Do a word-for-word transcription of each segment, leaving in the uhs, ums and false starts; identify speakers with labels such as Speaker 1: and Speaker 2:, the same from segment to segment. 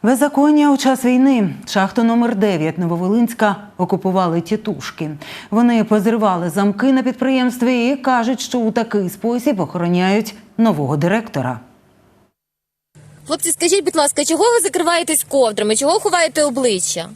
Speaker 1: Беззаконня у час війни. Шахту номер дев'ять Нововолинська окупували тітушки. Вони позривали замки на підприємстві і кажуть, що у такий спосіб охороняють нового директора.
Speaker 2: Хлопці, скажіть, будь ласка, чого ви закриваєтесь ковдрами? Чого ховаєте обличчя?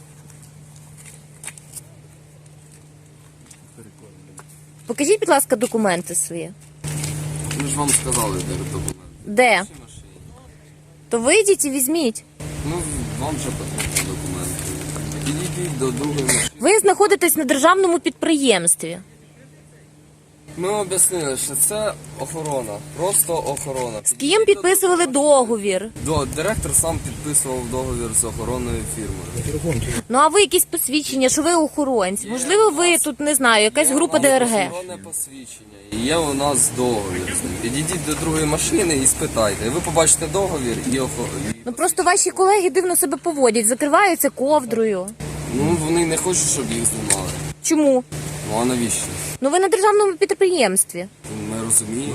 Speaker 2: Покажіть, будь ласка, документи свої.
Speaker 3: Ми ж вам сказали, де документи.
Speaker 2: Де? То вийдіть і візьміть.
Speaker 3: Ну, вам же потрібні документи. Підійдіть до другої машини.
Speaker 2: Ви знаходитесь на державному підприємстві.
Speaker 3: Ми об'яснили, що це охорона. Просто охорона.
Speaker 2: З ким підписували договір?
Speaker 3: До, директор сам підписував договір з охоронною фірмою.
Speaker 2: Ну, а ви якісь посвідчення, що ви охоронці? Можливо, ви тут, не знаю, якась група Д Р Г?
Speaker 3: Охоронне посвідчення. І є у нас договір з ним. Підійдіть до другої машини і спитайте. І ви побачите договір і охорону.
Speaker 2: Ну, просто ваші колеги дивно себе поводять, закриваються ковдрою.
Speaker 3: Ну, вони не хочуть, щоб їх знімали.
Speaker 2: Чому?
Speaker 3: Ну, а навіщо?
Speaker 2: Ну, ви на державному підприємстві.
Speaker 3: Ми розуміємо.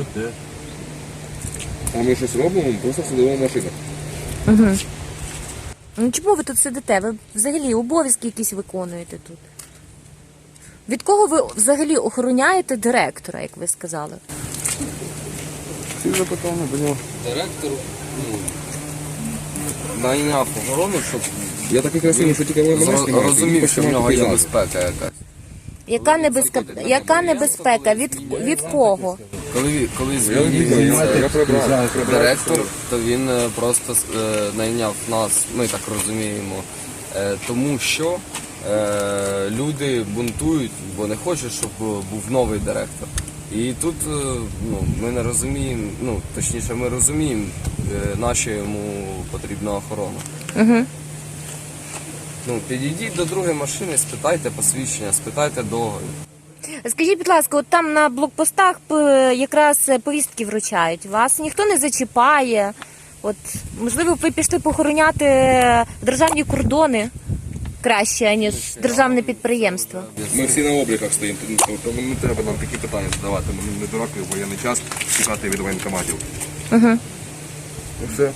Speaker 4: А ми щось робимо, ми просто сидимо в машинах.
Speaker 2: Угу. Ну, чому ви тут сидите? Ви взагалі обов'язки якісь виконуєте тут. Від кого ви взагалі охороняєте директора, як ви сказали?
Speaker 4: Всі запитання до нього.
Speaker 3: Директор, ну, найняв охорону, щоб
Speaker 4: Я такий красивий, що тільки ви мене
Speaker 3: зро-
Speaker 4: знімаєте.
Speaker 3: розумів, що в нього є
Speaker 4: Пізнаєте.
Speaker 3: безпека якась.
Speaker 2: Яка небезпека? Яка небезпека? Від, від кого?
Speaker 3: Коли, ві- коли
Speaker 4: Я не знаю, я
Speaker 3: звільнився
Speaker 4: прибрав.
Speaker 3: директор, то він е, просто е, найняв нас, ми так розуміємо, е, тому що е, люди бунтують, бо не хочуть, щоб був новий директор. І тут е, ну, ми не розуміємо, ну точніше, ми розуміємо, е, наша йому потрібна охорона.
Speaker 2: Угу.
Speaker 3: Ну, підійдіть до другої машини, спитайте посвідчення, спитайте договір.
Speaker 2: Скажіть, будь ласка, от там на блокпостах п- якраз повістки вручають. Вас ніхто не зачіпає. От, можливо, ви пішли похороняти державні кордони краще, ніж державне підприємство.
Speaker 4: Ми всі на обліках стоїмо, тому не треба нам такі питання задавати. Ми не дураки в воєнний час тікати від воєнкоматів.
Speaker 2: Угу.
Speaker 4: І все.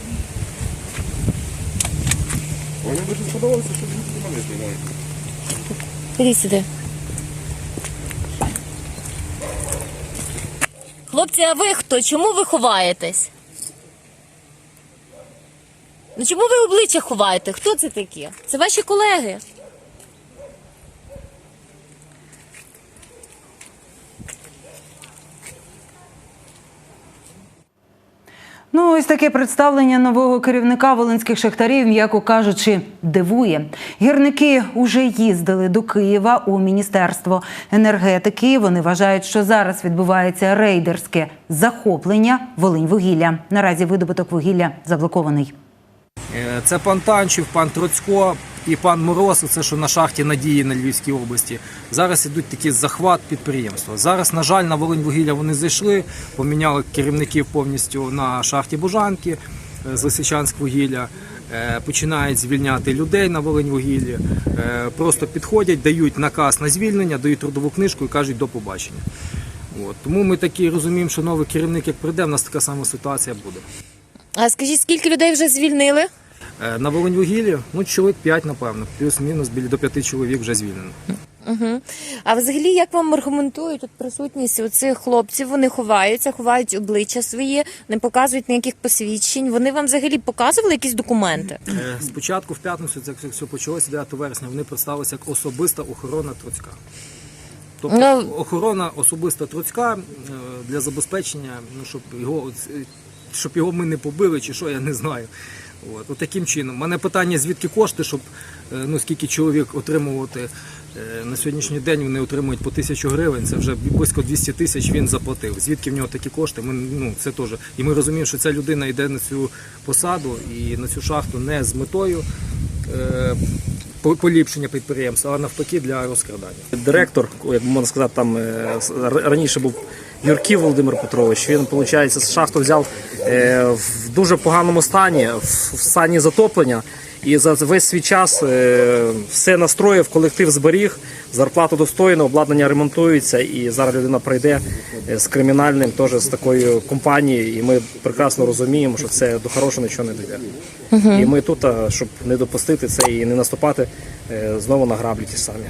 Speaker 4: Вони дуже сподобалося, що вони мене знімають.
Speaker 2: Ідіть сюди. Хлопці, а ви хто? Чому ви ховаєтесь? Ну чому ви обличчя ховаєте? Хто це такі? Це ваші колеги.
Speaker 1: Ну, ось таке представлення нового керівника волинських шахтарів, м'яко кажучи, дивує. Гірники уже їздили до Києва у Міністерство енергетики. Вони вважають, що зараз відбувається рейдерське захоплення Волиньвугілля. Наразі видобуток вугілля заблокований.
Speaker 5: Це пан Танчів, пан Троцько і пан Мороз, це що на шахті Надії на Львівській області. Зараз ідуть такі захват підприємства. Зараз, на жаль, на Волиньвугілля вони зайшли, поміняли керівників повністю на шахті Бужанки з Лисичанськвугілля, починають звільняти людей на Волиньвугіллі, просто підходять, дають наказ на звільнення, дають трудову книжку і кажуть до побачення. От. Тому ми такі розуміємо, що новий керівник як прийде, в нас така сама ситуація буде.
Speaker 2: А скажіть, скільки людей вже звільнили?
Speaker 5: На Волиньвугіллі, ну, чоловік п'ять, напевно, плюс-мінус, біля до п'яти чоловік вже звільнено.
Speaker 2: Угу. А взагалі, як вам аргументують от присутність оцих хлопців? Вони ховаються, ховають обличчя свої, не показують ніяких посвідчень. Вони вам взагалі показували якісь документи?
Speaker 5: Спочатку в п'ятницю, це все почалося дев'ятого вересня, вони представилися як особиста охорона Троцька. Тобто
Speaker 2: Ну,
Speaker 5: охорона особиста Троцька для забезпечення, ну, щоб його, щоб його ми не побили чи що, я не знаю. От, от таким чином. У мене питання, звідки кошти, щоб, ну, скільки чоловік отримувати на сьогоднішній день, вони отримують по тисячу гривень, це вже близько двісті тисяч він заплатив. Звідки в нього такі кошти? Ми, ну, це теж. І ми розуміємо, що ця людина йде на цю посаду і на цю шахту не з метою е, поліпшення підприємства, а навпаки для розкрадання.
Speaker 6: Директор, як можна сказати, там раніше був
Speaker 5: Юрків Володимир Петрович. Він, виходить, шахту взяв е, в дуже поганому стані, в, в стані затоплення. І за весь свій час е, все настроїв, колектив зберіг, зарплату достойно, обладнання ремонтується, і зараз людина прийде з кримінальним, теж з такою компанією, і ми прекрасно розуміємо, що це до хорошого нічого не дійде. І ми тут, щоб не допустити це і не наступати е, знову на граблі ті самі.